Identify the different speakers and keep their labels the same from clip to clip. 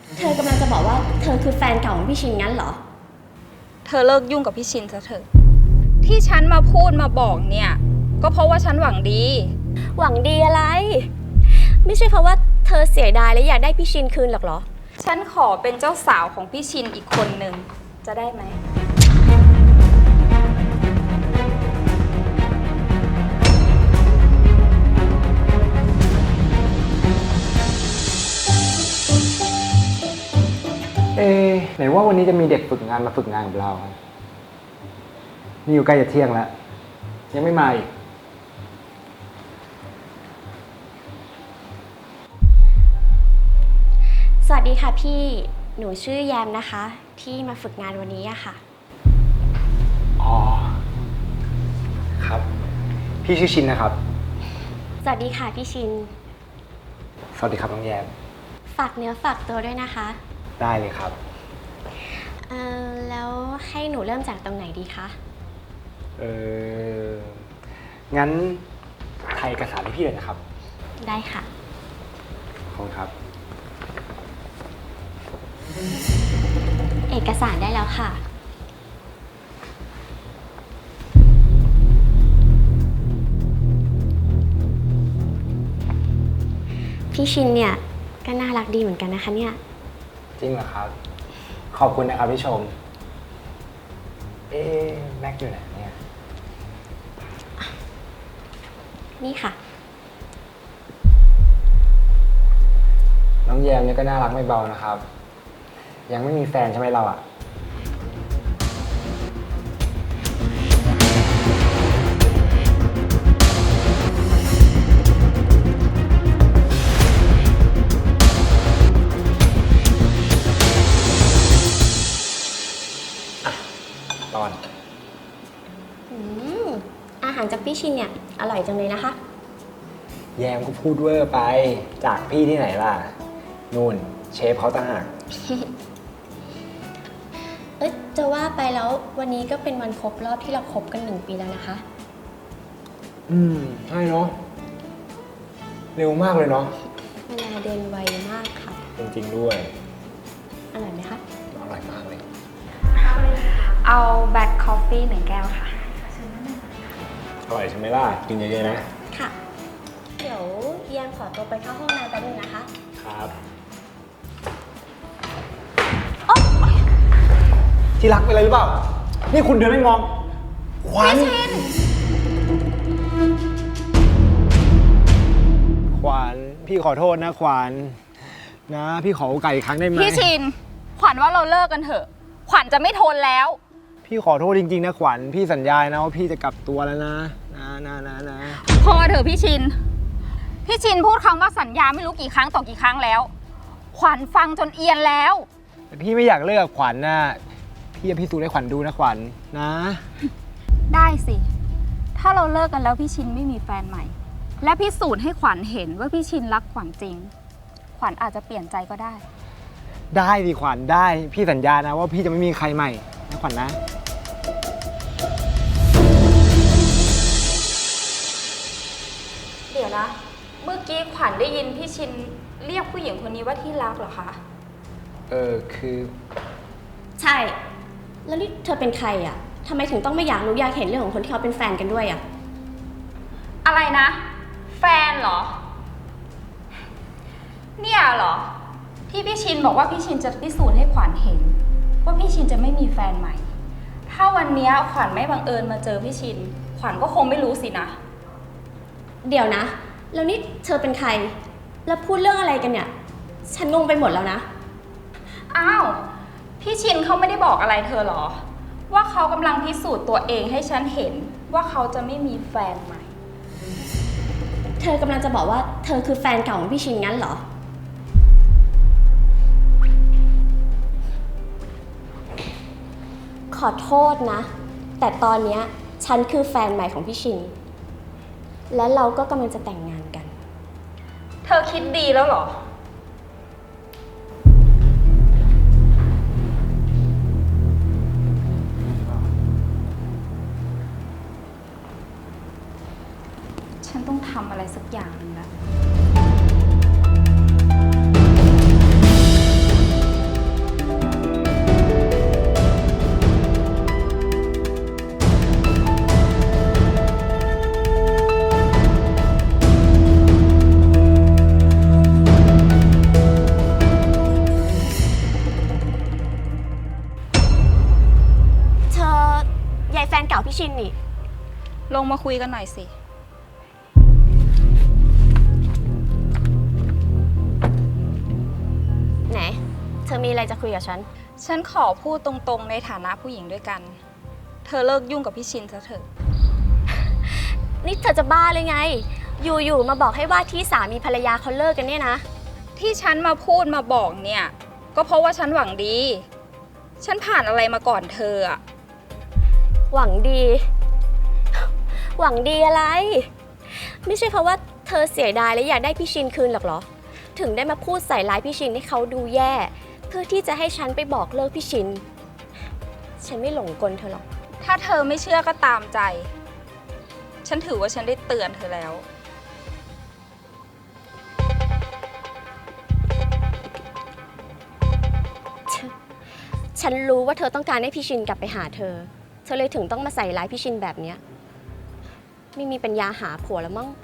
Speaker 1: เธอกำลังจะบอกว่าเธอคือแฟนเก่าของพี่ชินงั้นเหรอ
Speaker 2: เธอเลิกยุ่งกับพี่ชินซะเถอะที่ฉันมาพูดมาบอกเนี่ยก็เพราะว่าฉันหวังดี
Speaker 1: หวังดีอะไร ไม่ใช่เพราะว่าเธอเสียดายและอยากได้พี่ชินคืนหรอกเหรอ
Speaker 2: ฉันขอเป็นเจ้าสาวของพี่ชินอีกคนหนึ่งจะได้ไหม
Speaker 3: ไหนว่าวันนี้จะมีเด็กฝึกงานมาฝึกงานกับเรานี่อยู่ใกล้จะเที่ยงแล้วยังไม่มาอีก
Speaker 1: สวัสดีค่ะพี่ หนูชื่อแยมนะคะ ที่มาฝึกงานวันนี้อะค่ะ
Speaker 3: อ๋อครับพี่ชื่อชินนะครับ
Speaker 1: สวัสดีค่ะพี่ชิน
Speaker 3: สวัสดีครับน้องแยม
Speaker 1: ฝากเนื้อฝากตัวด้วยนะคะ
Speaker 3: ได้เลยครับ
Speaker 1: แล้วให้หนูเริ่มจากตรงไหนดีคะ
Speaker 3: งั้นถ่ายเอกสารให้พี่เลยนะครับ
Speaker 1: ได้ค่ะ
Speaker 3: ขอบคุณครับ
Speaker 1: เอกสารได้แล้วค่ะ พี่ชินเนี่ยก็น่ารักดีเหมือนกันนะคะเนี่ย
Speaker 3: จริงเหรอครับ ขอบคุณนะครับที่ชม แม็กอยู่ไหนเนี่ย
Speaker 1: นี่ค่ะ
Speaker 3: น้องแยมเนี่ยก็น่ารักไม่เบานะครับ ยังไม่มีแฟนใช่ไหมเราอะตอน
Speaker 1: อาหารจากพี่ชินเนี่ยอร่อยจังเลยนะคะ
Speaker 3: แยมก็พูดเวอร์ไป จากพี่ที่ไหนล่ะ นู่นเชฟเขาต่างหาก
Speaker 1: จะว่าไปแล้ววันนี้ก็เป็นวันครบรอบที่เราคบกัน1 ปีแล้วนะคะ
Speaker 3: ใช่เนาะ เร็วมากเลยเนาะ
Speaker 1: เวลาเดินไวมากค่ะ
Speaker 3: จริงๆด้วย
Speaker 1: อร่อยไหมคะ
Speaker 3: อร่อยมากเลย
Speaker 2: เอาแบล็คคอฟฟี่1 แก้วค่ะ
Speaker 3: อร่อยใช่ไหมล่ะ กินเยอะๆนะ
Speaker 1: ค่ะ เดี๋ยวเยียมขอตัวไปเข้าห้องน้ำแป๊บนึงนะคะ
Speaker 3: ครับ ที่รักเป็นอะไรหรือเปล่า นี่คุณเดินไม่มอง ขวัญขวัญพี่ขอโทษนะขวัญนะ พี่ขอโอกาสอีกครั้งได้ไหม
Speaker 2: พี่ชินขวัญว่าเราเลิกกันเถอะ ขวัญจะไม่ทนแล้ว
Speaker 3: พี่ขอโทษจริงๆนะขวัญพี่สัญญานะว่าพี่จะกลับตัวแล้วนะนะ
Speaker 2: พอเถอะพี่ชิน พี่ชินพูดคำว่าสัญญาไม่รู้กี่ครั้งต่อกี่ครั้งแล้ว ขวัญฟังจนเอียนแล้ว
Speaker 3: แต่พี่ไม่อยากเลิกกับขวัญนะพี่จะพิสูจน์ให้ขวัญดูนะขวัญนะ
Speaker 2: ได้สิ ถ้าเราเลิกกันแล้วพี่ชินไม่มีแฟนใหม่ และพิสูจน์ให้ขวัญเห็นว่าพี่ชินรักขวัญจริง ขวัญอาจจะเปลี่ยนใจก็ได้
Speaker 3: ได้ดิขวัญได้พี่สัญญานะว่าพี่จะไม่มีใครใหม่นะขวัญนะ
Speaker 2: เดี๋ยวนะ เมื่อกี้ขวัญได้ยินพี่ชินเรียกผู้หญิงคนนี้ว่าที่รักเหรอคะ
Speaker 3: คือ
Speaker 1: ใช่ แล้วนี่เธอเป็นใครอ่ะทำไมถึงต้องไม่อยากรู้อยากเห็นเรื่องของคนที่เขาเป็นแฟนกันด้วยอ่ะ
Speaker 2: อะไรนะ แฟนเหรอ เนี่ยเหรอ ที่พี่ชินบอกว่าพี่ชินจะพิสูจน์ให้ขวัญเห็น ว่าพี่ชินจะไม่มีแฟนใหม่ ถ้าวันนี้ขวัญไม่บังเอิญมาเจอพี่ชิน ขวัญก็คงไม่รู้สินะ
Speaker 1: เดี๋ยวนะ แล้วนี่เธอเป็นใคร แล้วพูดเรื่องอะไรกันเนี่ย ฉันงงไปหมดแล้วนะ
Speaker 2: อ้าว พี่ชินเขาไม่ได้บอกอะไรเธอเหรอ ว่าเขากำลังพิสูจน์ตัวเองให้ฉันเห็นว่าเขาจะไม่มีแฟนใหม่
Speaker 1: เธอกำลังจะบอกว่าเธอคือแฟนเก่าของพี่ชินงั้นเหรอ ขอโทษนะ แต่ตอนเนี้ยฉันคือแฟนใหม่ของพี่ชิน และเราก็กำลังจะแต่งงานกัน
Speaker 2: เธอคิดดีแล้วเหรอ ฉันต้องทำอะไรสักอย่างหนึงแล้ว
Speaker 1: ชินนี่
Speaker 2: ลงมาคุยกันหน่อยสิ
Speaker 1: ไหน เธอมีอะไรจะคุยกับฉัน
Speaker 2: ฉันขอพูดตรงๆในฐานะผู้หญิงด้วยกัน เธอเลิกยุ่งกับพี่ชินซะเถอะ
Speaker 1: นี่เธอจะบ้าเลยไง อยู่ๆมาบอกให้ว่าที่สามีภรรยาเขาเลิกกันเนี่ยนะ
Speaker 2: ที่ฉันมาพูดมาบอกเนี่ย ก็เพราะว่าฉันหวังดี ฉันผ่านอะไรมาก่อนเธออะ
Speaker 1: หวังดี หวังดีอะไร ไม่ใช่เพราะว่าเธอเสียดายและอยากได้พี่ชินคืนหรอกเหรอ ถึงได้มาพูดใส่ร้ายพี่ชินให้เขาดูแย่ เพื่อที่จะให้ฉันไปบอกเลิกพี่ชิน ฉันไม่หลงกลเธอหรอก
Speaker 2: ถ้าเธอไม่เชื่อก็ตามใจ ฉันถือว่าฉันได้เตือนเธอแล้ว
Speaker 1: ฉันรู้ว่าเธอต้องการให้พี่ชินกลับไปหาเธอ เธอเลยถึงต้องมาใส่ร้ายพี่ชินแบบเนี้ยไม่มีปัญญาหาผัวแล้วมั้ง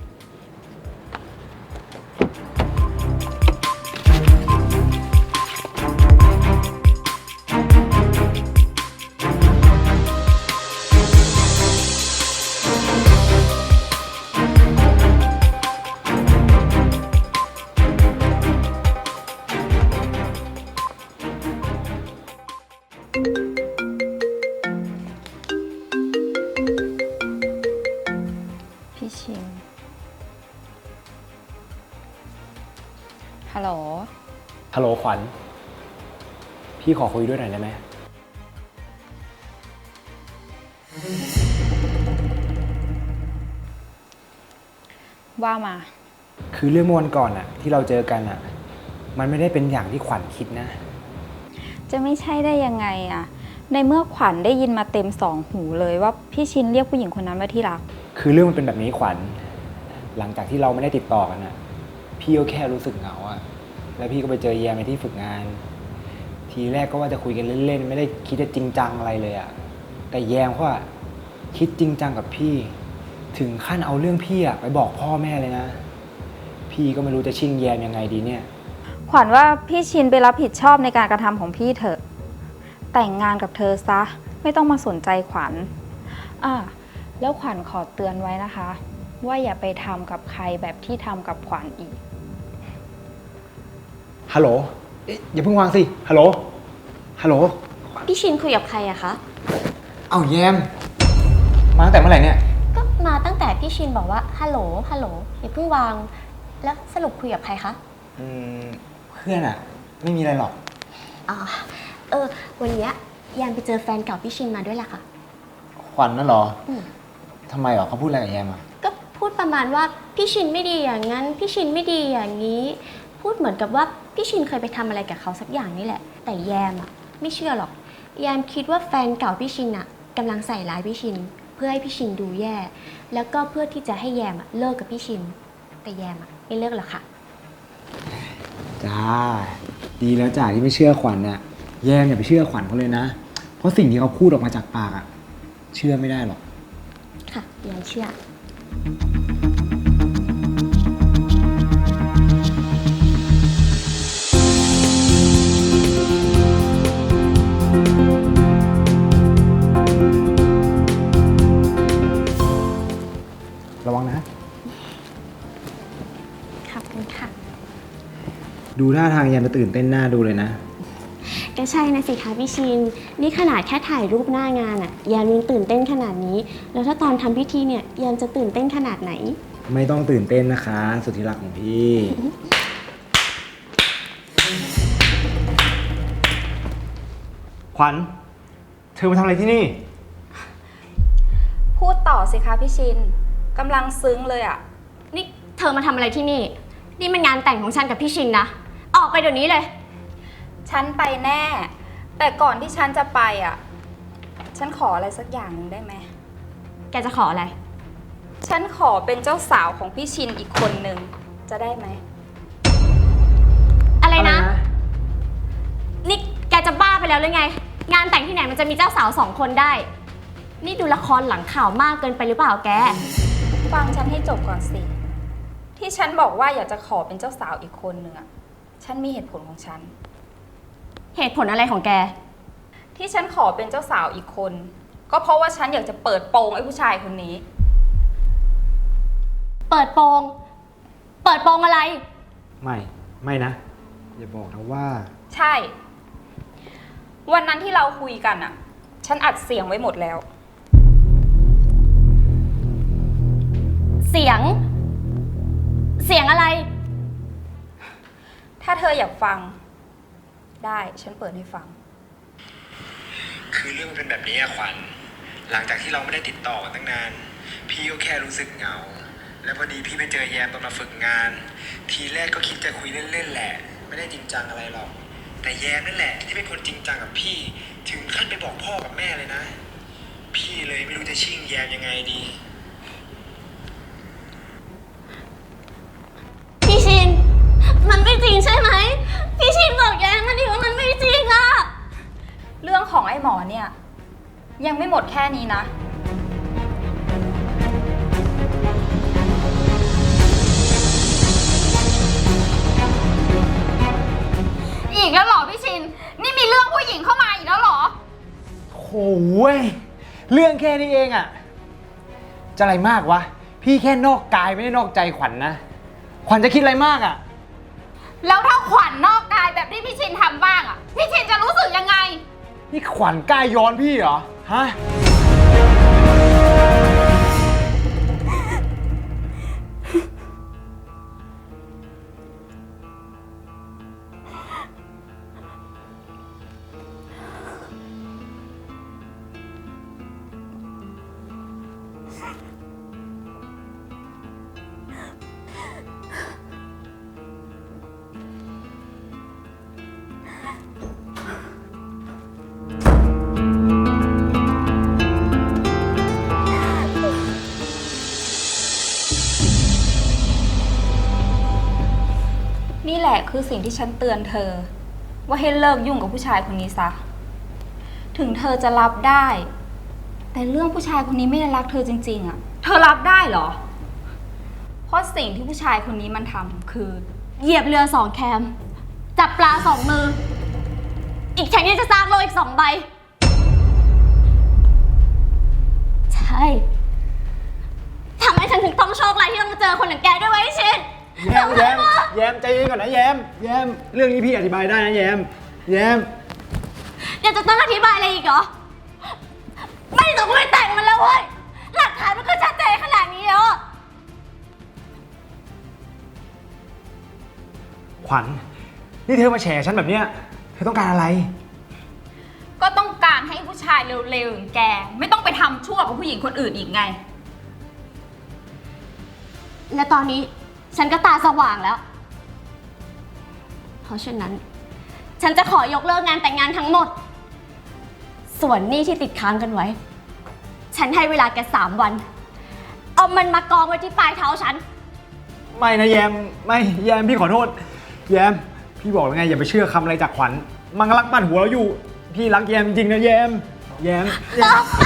Speaker 2: พี่ชิน ฮัลโหล
Speaker 3: ฮัลโหลขวัญ พี่ขอคุยด้วยหน่อยได้ไหม
Speaker 2: ว่ามา
Speaker 3: คือเรื่องเมื่อวันก่อนอะที่เราเจอกันอะมันไม่ได้เป็นอย่างที่ขวัญคิดนะ
Speaker 2: จะไม่ใช่ได้ยังไงอะในเมื่อขวัญได้ยินมาเต็มสองหูเลยว่าพี่ชินเรียกผู้หญิงคนนั้นว่าที่รัก
Speaker 3: คือเรื่องมันเป็นแบบนี้ขวัญ หลังจากที่เราไม่ได้ติดต่อกันอะพี่ก็แค่รู้สึกเหงาอะแล้วพี่ก็ไปเจอแยมในที่ฝึกงาน ทีแรกก็ว่าจะคุยกันเล่นๆไม่ได้คิดจะจริงจังอะไรเลยอะแต่แยมเขาอะคิดจริงจังกับพี่ ถึงขั้นเอาเรื่องพี่อะไปบอกพ่อแม่เลยนะ พี่ก็ไม่รู้จะชิ่งแยมยังไงดีเนี่ย
Speaker 2: ขวัญว่าพี่ชินไปรับผิดชอบในการกระทำของพี่เถอะ แต่งงานกับเธอซะ ไม่ต้องมาสนใจขวัญแล้วขวัญขอเตือนไว้นะคะ ว่าอย่าไปทำกับใครแบบที่ทำกับขวัญอีก
Speaker 3: ฮัลโหลเอ๊ะอย่าเพิ่งวางสิ ฮัลโหล ฮัลโหล
Speaker 1: พี่ชินคุยกับใครอะคะ
Speaker 3: เอ้าแยม มาตั้งแต่เมื่อไหร่เนี่ย
Speaker 1: ก็มาตั้งแต่พี่ชินบอกว่าฮัลโหลฮัลโหลอย่าเพิ่งวาง แล้วสรุปคุยกับใครคะ
Speaker 3: เพื่อนอะไม่มีอะไรหรอก
Speaker 1: อ๋อวันเนี้ยแยมไปเจอแฟนเก่าพี่ชินมาด้วยแหละค่ะ
Speaker 3: ขวัญนั่นเหรอ
Speaker 1: อืม
Speaker 3: ทำไมหรอเขาพูดอะไรกับแยมอะ
Speaker 1: ก็พูดประมาณว่าพี่ชินไม่ดีอย่างนั้น พี่ชินไม่ดีอย่างนี้ พูดเหมือนกับว่าพี่ชินเคยไปทำอะไรกับเขาสักอย่างนี่แหละ แต่แยมอะไม่เชื่อหรอก แยมคิดว่าแฟนเก่าพี่ชินอะกำลังใส่ร้ายพี่ชิน เพื่อให้พี่ชินดูแย่ แล้วก็เพื่อที่จะให้แยมอะเลิกกับพี่ชิน แต่แยมอะไม่เลิกหรอกค่ะ
Speaker 3: จ้า ดีแล้วจ้าที่ไม่เชื่อขวัญน่ะ แยมอย่าไปเชื่อขวัญเขาเลยนะ เพราะสิ่งที่เขาพูดออกมาจากปากอะเชื่อไม่ได้หรอก
Speaker 1: ค่ะแยมเชื่อ
Speaker 3: ระวังนะ
Speaker 1: ขอบคุณค่ะ
Speaker 3: ดูท่าทางแยมจะตื่นเต้นหน้าดูเลยนะ
Speaker 1: ก็ใช่นะสิคะพี่ชิน นี่ขนาดแค่ถ่ายรูปหน้างานอะแยมยังตื่นเต้นขนาดนี้ แล้วถ้าตอนทำพิธีเนี่ยแยมจะตื่นเต้นขนาดไหน
Speaker 3: ไม่ต้องตื่นเต้นนะคะ สุดที่รักของพี่ ขวัญ เธอมาทำอะไรที่นี่
Speaker 2: พูดต่อสิคะพี่ชินกำลังซึ้งเลยอะ
Speaker 1: นี่เธอมาทำอะไรที่นี่ นี่มันงานแต่งของฉันกับพี่ชินนะ ออกไปเดี๋ยวนี้เลย
Speaker 2: ฉันไปแน่ แต่ก่อนที่ฉันจะไปอะฉันขออะไรสักอย่างหนึ่งได้ไหม
Speaker 1: แกจะขออะไร
Speaker 2: ฉันขอเป็นเจ้าสาวของพี่ชินอีกคนหนึ่งจะได้ไหม
Speaker 1: อะไรนะ นี่แกจะบ้าไปแล้วหรือไง งานแต่งที่ไหนมันจะมีเจ้าสาว2 คนได้ นี่ดูละครหลังข่าวมากเกินไปหรือเปล่าแก
Speaker 2: ฟังฉันให้จบก่อนสิ ที่ฉันบอกว่าอยากจะขอเป็นเจ้าสาวอีกคนหนึ่งอะฉันมีเหตุผลของฉัน
Speaker 1: เหตุผลอะไรของแก
Speaker 2: ที่ฉันขอเป็นเจ้าสาวอีกคนก็เพราะว่าฉันอยากจะเปิดโปงไอ้ผู้ชายคนนี้
Speaker 1: เปิดโปง เปิดโปงอะไร
Speaker 3: ไม่นะ อย่าบอกนะว่า
Speaker 2: ใช่ วันนั้นที่เราคุยกันอะฉันอัดเสียงไว้หมดแล้ว
Speaker 1: เสียง เสียงอะไร
Speaker 2: ถ้าเธออยากฟัง ได้ฉันเปิดให้ฟัง
Speaker 3: คือเรื่องมันเป็นแบบนี้อะขวัญ หลังจากที่เราไม่ได้ติดต่อกันตั้งนาน พี่ก็แค่รู้สึกเหงา แล้วพอดีพี่ไปเจอแยมตอนมาฝึกงาน ทีแรกก็คิดจะคุยเล่นๆแหละ ไม่ได้จริงจังอะไรหรอก แต่แยมนั่นแหละที่เป็นคนจริงจังกับพี่ ถึงขั้นไปบอกพ่อกับแม่เลยนะ พี่เลยไม่รู้จะชิ่งแยมยังไงดี
Speaker 1: พี่ชิน มันไม่จริงใช่ไหม พี่ชินบอกแยมมาดิว่ามันไม่จริงอะ
Speaker 2: เรื่องของไอ้หมอเนี่ย ยังไม่หมดแค่นี้นะ อีกแล้วเหรอพี่ชิน นี่มีเรื่องผู้หญิงเข้ามาอีกแล้วเหรอ
Speaker 3: โอ้ยเรื่องแค่นี้เองอะจะอะไรมากวะ พี่แค่นอกกายไม่ได้นอกใจขวัญนะ ขวัญจะคิดอะไรมากอะ
Speaker 2: แล้วถ้าขวัญนอกกายแบบที่พี่ชินทำบ้างอะพี่ชินจะรู้สึกยังไง
Speaker 3: นี่ขวัญกล้าย้อนพี่เหรอ ฮะ
Speaker 2: นี่แหละคือสิ่งที่ฉันเตือนเธอ ว่าให้เลิกยุ่งกับผู้ชายคนนี้ซะ ถึงเธอจะรับได้ แต่เรื่องผู้ชายคนนี้ไม่ได้รักเธอจริงๆอะเธอรับได้เหรอ เพราะสิ่งที่ผู้ชายคนนี้มันทำคือ
Speaker 1: เหยียบเรือ2 แคม จับปลา 2 มือ อีกแข่งยังจะสร้างโลกอีก 2 ใบ ใช่ทำให้ฉันถึงต้องโชคร้ายที่ต้องมาเจอคนอย่างแกด้วยวะไอ้ชิน
Speaker 3: แยมใจเย็นก่อนนะแยม เรื่องนี้พี่อธิบายได้นะแยม
Speaker 1: ยังจะต้องอธิบายอะไรอีกเหรอ ไม่ต้องไปแต่งมันแล้วเว้ย หลักฐานมันก็ชัดเจนขนาดนี้แล้ว
Speaker 3: ขวัญ นี่เธอมาแฉฉันแบบเนี้ย เธอต้องการอะไร
Speaker 2: ก็ต้องการให้ผู้ชายเร็วๆอย่างแก ไม่ต้องไปทำชั่วกับผู้หญิงคนอื่นอีกไง
Speaker 1: และตอนนี้ฉันก็ตาสว่างแล้ว เพราะฉะนั้น ฉันจะขอยกเลิกงานแต่งงานทั้งหมด ส่วนหนี้ที่ติดค้างกันไว้ ฉันให้เวลาแก3 วัน เอามันมากองไว้ที่ปลายเท้าฉัน
Speaker 3: ไม่นะแยม ไม่แยมพี่ขอโทษ แยม พี่บอกแล้วไงอย่าไปเชื่อคำอะไรจากขวัญ มันกำลังปั่นหัวเราอยู่ พี่รักแยมจริงๆนะแยม
Speaker 1: ออกไป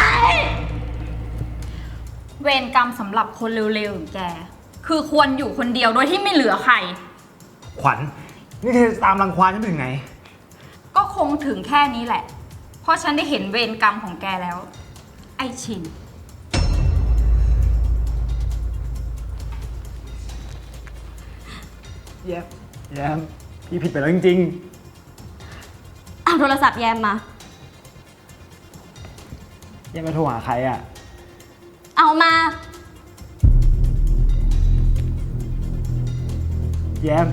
Speaker 2: เวรกรรมสำหรับคนเร็วๆอย่างแก คือควรอยู่คนเดียวโดยที่ไม่เหลือใคร
Speaker 3: ขวัญ นี่เธอตามรังควานฉันไปถึงไหน
Speaker 2: ก็คงถึงแค่นี้แหละ เพราะฉันได้เห็นเวรกรรมของแกแล้ว ไอ้ชิน
Speaker 3: แยม พี่ผิดไปแล้วจริง
Speaker 1: เอาโทรศัพท์แยมมา
Speaker 3: ๆ แยมมาโทรหาใครอ่ะ
Speaker 1: เอามา
Speaker 3: แยม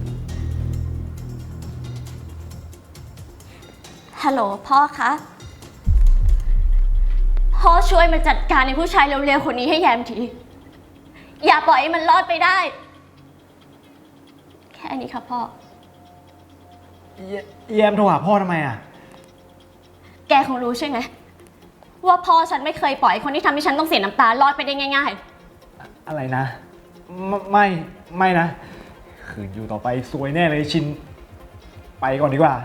Speaker 1: ฮัลโหลพ่อคะ พ่อช่วยมาจัดการในผู้ชายเร็วๆคนนี้ให้แยมที อย่าปล่อยให้มันรอดไปได้ แค่นี้ค่ะพ่อ
Speaker 3: แยมโทรหาพ่อทำไมอ่ะ
Speaker 1: แกคงรู้ใช่ไหมว่าพ่อฉันไม่เคยปล่อยให้คนที่ทำให้ฉันต้องเสียน้ำตารอดไปได้ง่าย
Speaker 3: อะไรนะ ไม่นะ ขืนอยู่ต่อไปซวยแน่เลยชิน ไปก่อนดีกว่า